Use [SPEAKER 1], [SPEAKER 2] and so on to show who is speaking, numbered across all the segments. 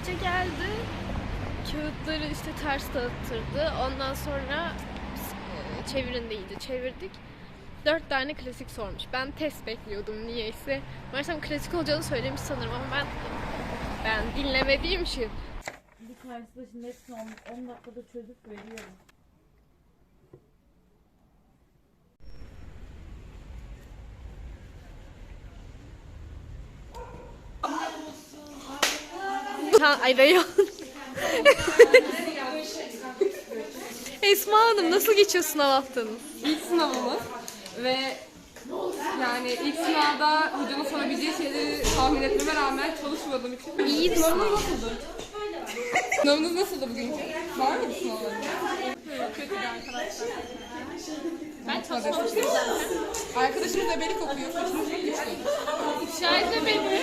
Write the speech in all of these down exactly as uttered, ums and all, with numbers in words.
[SPEAKER 1] hoca geldi. Kağıtları işte ters dağıttırdı. Ondan sonra e, çevirin deyince çevirdik. Dört tane klasik sormuş. Ben test bekliyordum niyeyse. Meğersem klasik olacağını söylemiş sanırım ama ben ben dinlemediğim için.
[SPEAKER 2] Bir karşıda şimdi hepsini on dakikada çözüp veriyorum.
[SPEAKER 1] Ha, ay Reyhan. Esma Hanım nasıl geçiyor sınav haftanız?
[SPEAKER 3] İlk sınavımız ve yani ilk sınavda hocanın sorabileceği şeyleri tahmin etmeme rağmen çalışmadığım için.
[SPEAKER 1] İyiydi
[SPEAKER 3] Sınavınız
[SPEAKER 1] sınav.
[SPEAKER 3] nasıldı? Sınavınız nasıldı bugünkü? Var mıydı sınavlarınız? Çok kötüydü arkadaşlar. Ben çalışmamıştım zaten. Arkadaşımız ebelik okuyor. Saçımız çok güçlü.
[SPEAKER 1] Şahit beni.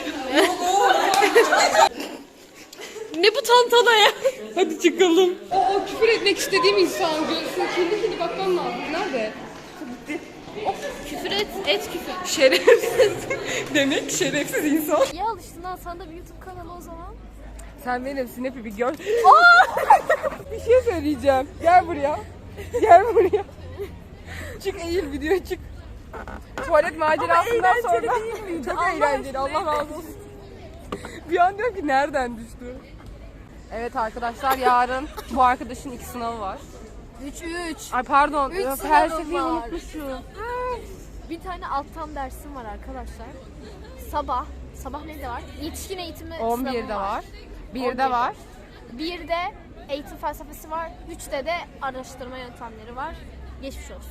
[SPEAKER 1] Ne bu tantana ya?
[SPEAKER 3] Hadi çıkalım. O, o küfür etmek istediğim insan görsün. Kendi kendi bakmam lazım. Nerede?
[SPEAKER 1] Küfür et, et küfür.
[SPEAKER 3] Şerefsiz. Demek şerefsiz insan.
[SPEAKER 1] İyi alıştın ha, sana da bir YouTube kanalı o zaman.
[SPEAKER 3] Sen benim Snap'i bir gör. Bir şey söyleyeceğim. Gel buraya. Gel buraya. Çık eğil videoya çık. Tuvalet macerasından sonra. Çok
[SPEAKER 1] Allah
[SPEAKER 3] eğlenceli. Allah razı olsun. Bir an diyorum ki nereden düştü? Evet arkadaşlar yarın bu arkadaşın iki sınavı var.
[SPEAKER 1] üç üç.
[SPEAKER 3] Ay pardon.
[SPEAKER 1] Üç
[SPEAKER 3] Her
[SPEAKER 1] sınavım
[SPEAKER 3] şeyi
[SPEAKER 1] var.
[SPEAKER 3] unutmuşum.
[SPEAKER 1] Bir tane alttan dersim var arkadaşlar. Sabah. Sabah ne de var? Yetişkin eğitimi
[SPEAKER 3] on
[SPEAKER 1] sınavım
[SPEAKER 3] birde var.
[SPEAKER 1] on
[SPEAKER 3] birde
[SPEAKER 1] birde.
[SPEAKER 3] var.
[SPEAKER 1] birde eğitim felsefesi var. üçte de araştırma yöntemleri var. Geçmiş olsun.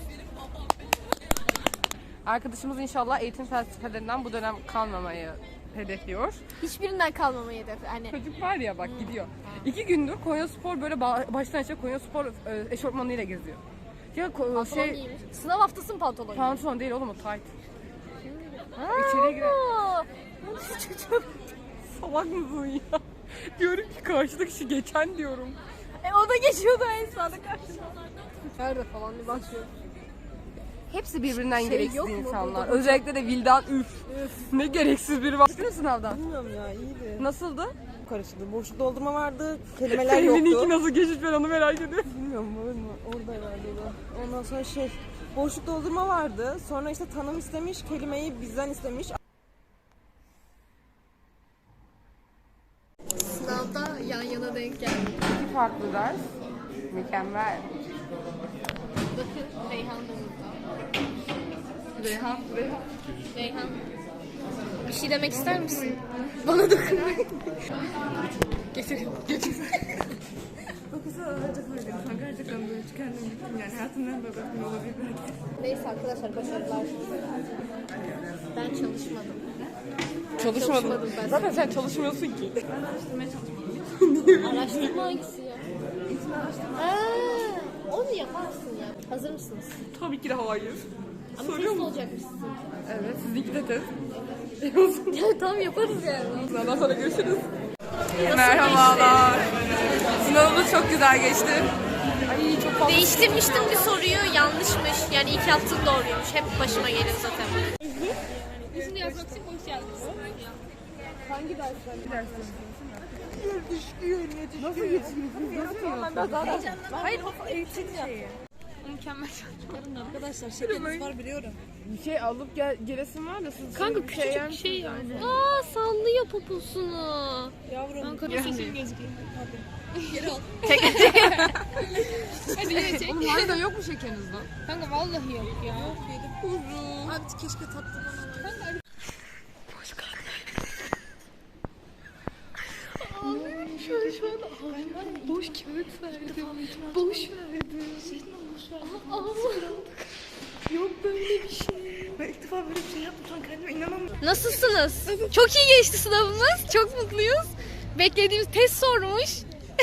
[SPEAKER 3] Arkadaşımız inşallah eğitim felsefelerinden bu dönem kalmamayı hedefliyor.
[SPEAKER 1] Hiçbirinden kalmamayı hedef. Hani
[SPEAKER 3] Çocuk var ya bak gidiyor. İki gündür Konyaspor böyle ba- baştan aşağı Konyaspor e, eşofmanıyla geziyor. Ya ko-
[SPEAKER 1] pantolon
[SPEAKER 3] şey
[SPEAKER 1] giymiş. Sınav haftası mı pantolon giymiş?
[SPEAKER 3] pantolon değil oğlum o tight. İçeri girer.
[SPEAKER 1] Aa, çocuğum.
[SPEAKER 3] Salak mısın ya? Diyorum ki karşıdaki kişi geçen diyorum.
[SPEAKER 1] E o da geçiyordu en sağda karşıda. Nerede falan bir bakıyor.
[SPEAKER 3] Hepsi birbirinden
[SPEAKER 1] Şey
[SPEAKER 3] gereksiz
[SPEAKER 1] yok mu
[SPEAKER 3] insanlar.
[SPEAKER 1] burada?
[SPEAKER 3] Özellikle de Vildan üf. Ne gereksiz biri var. Çıktın mı sınavdan?
[SPEAKER 4] Bilmiyorum ya iyiydi.
[SPEAKER 3] Nasıldı?
[SPEAKER 4] Karışıktı. Boşluk doldurma vardı. Kelimeler
[SPEAKER 3] Senin
[SPEAKER 4] yoktu.
[SPEAKER 3] iki nasıl geçmiş ben onu merak ediyorum.
[SPEAKER 4] Bilmiyorum var mı? Orada herhalde o da. Ondan sonra şey boşluk doldurma vardı. Sonra işte tanım istemiş. Kelimeyi bizden istemiş.
[SPEAKER 1] Sınavda yan yana denk geldik.
[SPEAKER 3] İki farklı ders. Mükemmel.
[SPEAKER 1] Bakın Reyhan da burada.
[SPEAKER 3] Reyhan, Reyhan.
[SPEAKER 1] Reyhan. Bir şey demek ister misin? Bana dokunmayın. Getir, getir.
[SPEAKER 3] Gerçekten böyle çıkardım gittim yani hayatımdan böyle bir olabilir belki.
[SPEAKER 1] Neyse arkadaşlar başarılar. Ben çalışmadım.
[SPEAKER 3] Çalışmadın.
[SPEAKER 1] Çalışmadım ben.
[SPEAKER 3] Zaten sen çalışmıyorsun ki.
[SPEAKER 1] Araştırma hangisi ya? Aa, onu yaparsın ya. Hazır mısınız?
[SPEAKER 3] Tabii ki de hayır.
[SPEAKER 1] Ama
[SPEAKER 3] Soruyor
[SPEAKER 1] test
[SPEAKER 3] musun?
[SPEAKER 1] olacakmış sizin.
[SPEAKER 3] Evet, sizinki de test.
[SPEAKER 1] Ya tamam yaparız yani.
[SPEAKER 3] Sınavdan sonra görüşürüz. Merhabalar. Sınavımız çok güzel geçti. Ay çok fazla.
[SPEAKER 1] Değiştirmiştim bir soruyu, yanlışmış. Yani ilk yaptığım doğruymuş. Hep başıma gelir zaten. Yüzünü yazmak için boş yazdım.
[SPEAKER 3] Hangi dersler? Bir ders Nasıl geçiyorsunuz? Nasıl
[SPEAKER 1] Hayır, o eğitim ya.
[SPEAKER 2] Mükemmel. Arkadaşlar şekeriniz var biliyorum.
[SPEAKER 3] Bir şey alıp gel gelesin var da siz
[SPEAKER 1] Kanka
[SPEAKER 3] bir
[SPEAKER 1] küçücük bir şey yani. Aa sallıyor poposunu.
[SPEAKER 2] Yavrum.
[SPEAKER 1] Ankara sesim
[SPEAKER 2] gözüküyor.
[SPEAKER 1] Hadi yine çek.
[SPEAKER 3] Oğlum harbiden yok mu şekeriniz lan?
[SPEAKER 1] Kanka vallahi yok ya.
[SPEAKER 2] Abi keşke tatlı bana.
[SPEAKER 1] Ağlıyorum şu an şu an ağlıyorum. Boş kağıt verdim. Boş verdim. Aa, ağlıyorum. Yok böyle bir şey.
[SPEAKER 4] Ben ilk defa böyle bir şey yaptım. Şu an kendime inanamıyorum.
[SPEAKER 1] Nasılsınız? Çok iyi geçti sınavımız. Çok mutluyuz. Beklediğimiz test sormuş.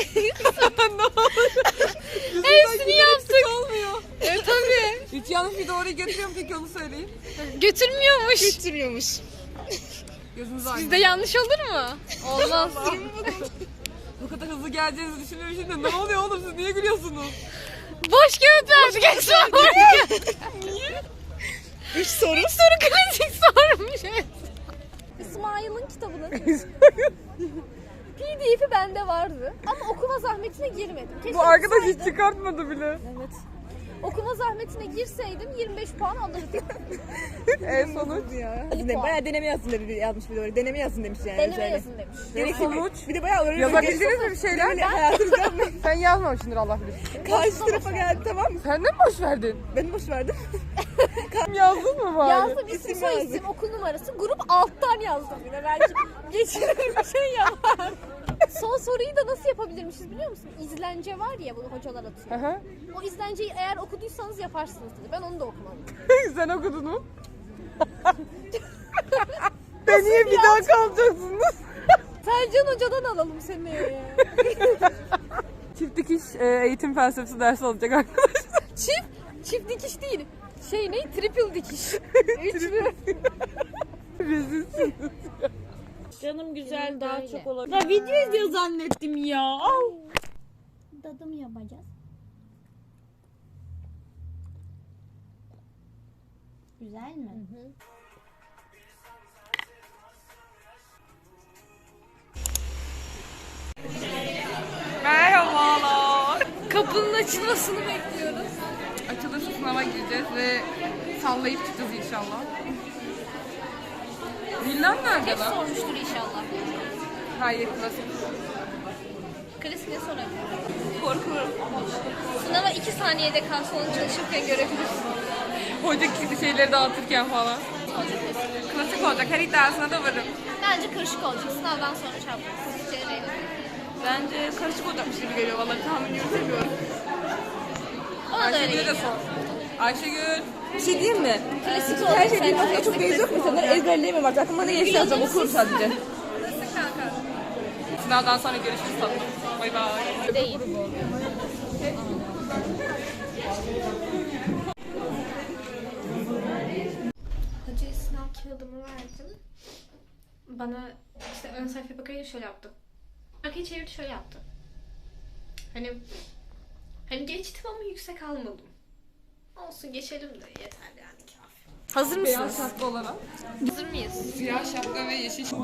[SPEAKER 1] Hepsini yaptık.
[SPEAKER 3] Olmuyor.
[SPEAKER 1] E tabii.
[SPEAKER 3] Hiç yanlış bir doğruyu getiriyorum peki onu söyleyeyim.
[SPEAKER 1] Götürmüyormuş.
[SPEAKER 2] Götürüyormuş.
[SPEAKER 3] Gözünüz aydın.
[SPEAKER 1] Bizde yanlış olur mu? Olmaz.
[SPEAKER 3] Bu kadar hızlı geleceğinizi düşünmemişim de ne oluyor oğlum siz niye gülüyorsunuz?
[SPEAKER 1] Boş kağıt verdik Esma. Niye?
[SPEAKER 2] Üç soru.
[SPEAKER 1] İlk soru klasik sormuş.
[SPEAKER 2] İsmail'in kitabını.
[SPEAKER 1] P D F'i bende vardı ama okuma zahmetine girmedim. Keşke
[SPEAKER 3] Bu arkadaş hiç
[SPEAKER 1] girseydim.
[SPEAKER 3] çıkartmadı bile.
[SPEAKER 1] Evet. Okuma zahmetine girseydim yirmi beş puan alırdım.
[SPEAKER 3] En sonuç.
[SPEAKER 4] Aslında bayağı deneme yazsın dedi yazmış bir de oraya. Deneme yazsın demiş yani.
[SPEAKER 1] Deneme
[SPEAKER 4] şöyle.
[SPEAKER 1] yazın demiş.
[SPEAKER 4] Gerekli
[SPEAKER 3] Sonuç.
[SPEAKER 4] bir de bayağı öğrenci.
[SPEAKER 3] Yazabildiniz mi bir şeyler?
[SPEAKER 4] Böyle hayatınızda yapmayın.
[SPEAKER 3] Sen yazmamışsındır Allah bilir.
[SPEAKER 4] Karşı tarafa geldi tamam mı?
[SPEAKER 3] Sen de mi boş verdin?
[SPEAKER 4] Ben boş verdim.
[SPEAKER 3] Yazdın mı bari?
[SPEAKER 1] Yazdım isim
[SPEAKER 4] İsim
[SPEAKER 1] soy
[SPEAKER 4] yazdık.
[SPEAKER 1] isim okul numarası grup alttan yazdım yine belki geçirir bir şey yapar. Son soruyu da nasıl yapabilirmişiz biliyor musun? İzlence var ya bunu hocalar atıyor.
[SPEAKER 3] Hı hı.
[SPEAKER 1] O izlenceyi eğer okuduysanız yaparsınız dedi. Ben onu da okumadım.
[SPEAKER 3] Sen okudun mu? Ben niye bir daha kalacaksınız?
[SPEAKER 1] Selcan hocadan alalım seni.
[SPEAKER 3] Çift dikiş e, eğitim felsefesi dersi olacak arkadaşlar.
[SPEAKER 1] Çift, çift dikiş değil. Şey ne? Triple dikiş. Üçlü.
[SPEAKER 3] Rezilsin.
[SPEAKER 2] Canım güzel
[SPEAKER 1] Benim
[SPEAKER 2] daha
[SPEAKER 1] böyle.
[SPEAKER 2] çok olabilir. Ya video izliyor zannettim ya. Au.
[SPEAKER 1] Dadım yapacağız.
[SPEAKER 2] Güzel mi?
[SPEAKER 3] Merhabalar.
[SPEAKER 1] Kapının açılmasını bekliyoruz.
[SPEAKER 3] Açılırsa sınava gireceğiz ve sallayıp çıkacağız inşallah. Villan nerede lan?
[SPEAKER 1] Sormuştur inşallah.
[SPEAKER 3] Hayır, klasik.
[SPEAKER 1] Klasik ne sorabilir? Korkuyorum. Sınava iki saniyede kalsa onu çalışırken görebilirsin.
[SPEAKER 3] Hoca şeyleri dağıtırken falan. Klasik olacak. Her iddiasına da varım.
[SPEAKER 1] Bence karışık olacak. Sınavdan sonra çarpılır. Cereyle.
[SPEAKER 3] Bence karışık olacakmış gibi geliyor. Vallahi tahmin yürütemiyorum.
[SPEAKER 1] Ona da öyle
[SPEAKER 3] Ayşegül'e de
[SPEAKER 1] geliyor.
[SPEAKER 3] sor. Ayşegül.
[SPEAKER 4] Bir şey diyeyim mi?
[SPEAKER 1] Klasik
[SPEAKER 4] Her
[SPEAKER 1] olacak.
[SPEAKER 4] şey bilmekte çok beyiz yok mu? İnsanlar ezberleyemem artık. Aklıma ne gelirse yazacağım. Okurum sadece.
[SPEAKER 3] Klasik kanka. Sınavdan sonra görüşürüz tatlım. Bay bay.
[SPEAKER 1] Değil. Hocaya sınav kağıdımı verdim. Bana işte ön sayfaya bakınca şöyle yaptı. Arkayı çevirdi şöyle yaptı. Hani hani geçtim ama yüksek almadım. Olsun geçelim de yeter yani kafi. Hazır
[SPEAKER 3] Beyaz
[SPEAKER 1] mısınız?
[SPEAKER 3] şapka olarak.
[SPEAKER 1] Hazır mıyız?
[SPEAKER 3] Siyah şapka ve yeşil şapka.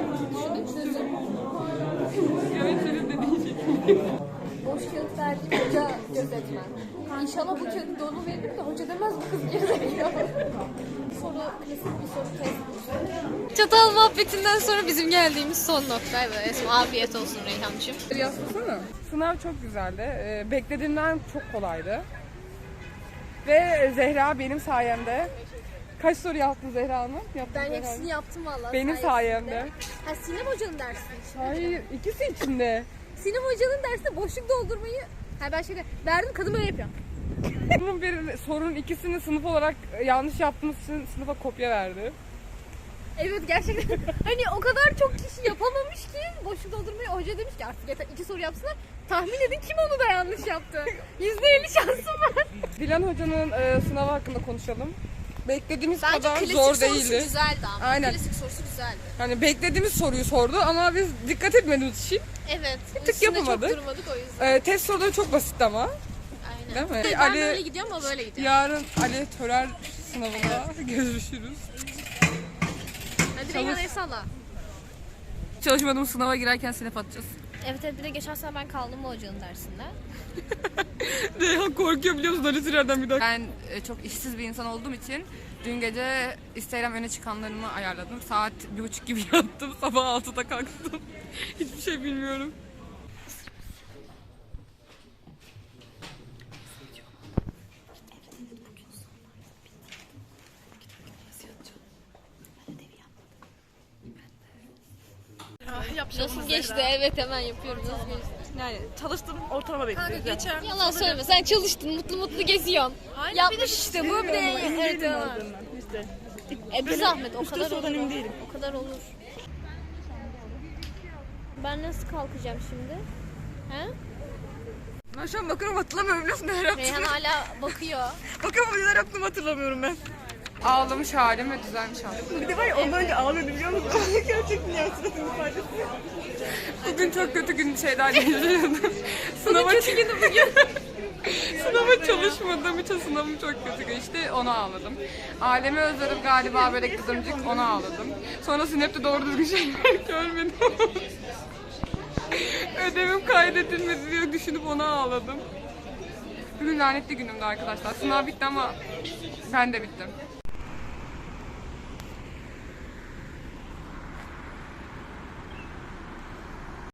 [SPEAKER 3] Evet senin dediğin şey.
[SPEAKER 1] Boş kağıt verdi hoca gözetmen. İnşallah bu kağıdı dolu verir de hoca demez bu kız gerizekalı. Soru klasik bir soru test. Çatal muhabbetinden sonra bizim geldiğimiz son noktaydı. Esma afiyet olsun Reyhancığım.
[SPEAKER 3] Yazsana. Sınav çok güzeldi. Ee, beklediğimden çok kolaydı. Ve Zehra benim sayemde. Kaç soru yaptın Zehra Hanım? Yaptın
[SPEAKER 1] Ben
[SPEAKER 3] Zehra
[SPEAKER 1] hepsini
[SPEAKER 3] Hanım.
[SPEAKER 1] yaptım vallahi.
[SPEAKER 3] Benim sayemde.
[SPEAKER 1] Ha Sinem hocanın dersi.
[SPEAKER 3] Hayır, ikisi içinde.
[SPEAKER 1] Sinem hocanın dersinde boşluk doldurmayı ha ben şeyde verdim kadın böyle yapıyor.
[SPEAKER 3] Bunun bir sorunun ikisini sınıf olarak yanlış yaptığımız için sınıfa kopya verdi.
[SPEAKER 1] Evet gerçekten hani o kadar çok kişi yapamamış ki boşluk doldurmayı hoca demiş ki artık yeter iki soru yapsınlar. Tahmin edin kim onu da yanlış yaptı. yüzde elli şansım var.
[SPEAKER 3] Dilan Hoca'nın e, sınavı hakkında konuşalım. Beklediğimiz
[SPEAKER 1] Bence
[SPEAKER 3] kadar
[SPEAKER 1] klasik
[SPEAKER 3] zor
[SPEAKER 1] sorusu
[SPEAKER 3] değildi.
[SPEAKER 1] güzeldi ama.
[SPEAKER 3] Aynen.
[SPEAKER 1] Klasik sorusu güzeldi.
[SPEAKER 3] Hani beklediğimiz soruyu sordu ama biz dikkat etmediğimiz için
[SPEAKER 1] Evet.
[SPEAKER 3] tık
[SPEAKER 1] üstünde
[SPEAKER 3] yapamadık.
[SPEAKER 1] Çok durmadık o yüzden.
[SPEAKER 3] e, test soruları çok basitti ama.
[SPEAKER 1] Aynen.
[SPEAKER 3] Değil mi?
[SPEAKER 1] Ben
[SPEAKER 3] Ali-
[SPEAKER 1] böyle gidiyorum ama böyle gidiyorum.
[SPEAKER 3] Yarın Ali Törer sınavında görüşürüz.
[SPEAKER 1] Hadi Reyhan el salla.
[SPEAKER 3] Çalışmadığımız sınava girerken sinep atacağız.
[SPEAKER 1] Evet evet bir de geçen sene ben kaldım bu hocanın dersinde.
[SPEAKER 3] Reyhan korkuyor biliyor musun Ali Törer'den bir daha. Ben e, çok işsiz bir insan olduğum için dün gece Instagram öne çıkanlarımı ayarladım. Saat bir buçuk gibi yattım. Sabah altıda kalktım. Hiçbir şey bilmiyorum.
[SPEAKER 1] Nasıl geçti? Evet hemen yapıyorum. Nasıl geçti?
[SPEAKER 4] Yani çalıştım ortalama bekliyorum.
[SPEAKER 2] Geçer.
[SPEAKER 1] Yalan söyleme. Sen çalıştın. Mutlu mutlu geziyorsun. Yapmış işte bu bir de. Evet, evet.
[SPEAKER 4] İşte.
[SPEAKER 1] E bir zahmet o
[SPEAKER 4] Üç
[SPEAKER 1] kadar
[SPEAKER 4] dört sorudan
[SPEAKER 1] olur.
[SPEAKER 4] emin değilim.
[SPEAKER 1] O kadar olur. Ben nasıl kalkacağım şimdi? He?
[SPEAKER 3] Ben şu an bakıyorum hatırlamıyorum biliyorsun neler yaptım.
[SPEAKER 1] Reyhan hala bakıyor.
[SPEAKER 4] Bakalım neler yaptım hatırlamıyorum ben.
[SPEAKER 3] Ağlamış halim ve düzelmiş halim.
[SPEAKER 4] Bir de var ya ondan önce ağlıyordu biliyor musun? Gerçekten ya suratın ifadesi.
[SPEAKER 3] Bugün çok kötü gün şeyler yaşadım. Sınava kötü günü bugün. Sınava çalışmadığım için sınavım çok kötü geçti. Ona ağladım. Ailemi özledim galiba böyle, börek, kızımcık, ona ağladım. Sonra Snap'te doğru düzgün şeyler görmedim. Ödevim kaydedilmedi diye düşünüp ona ağladım. Bugün lanetli günümdü arkadaşlar. Sınav bitti ama ben de bittim.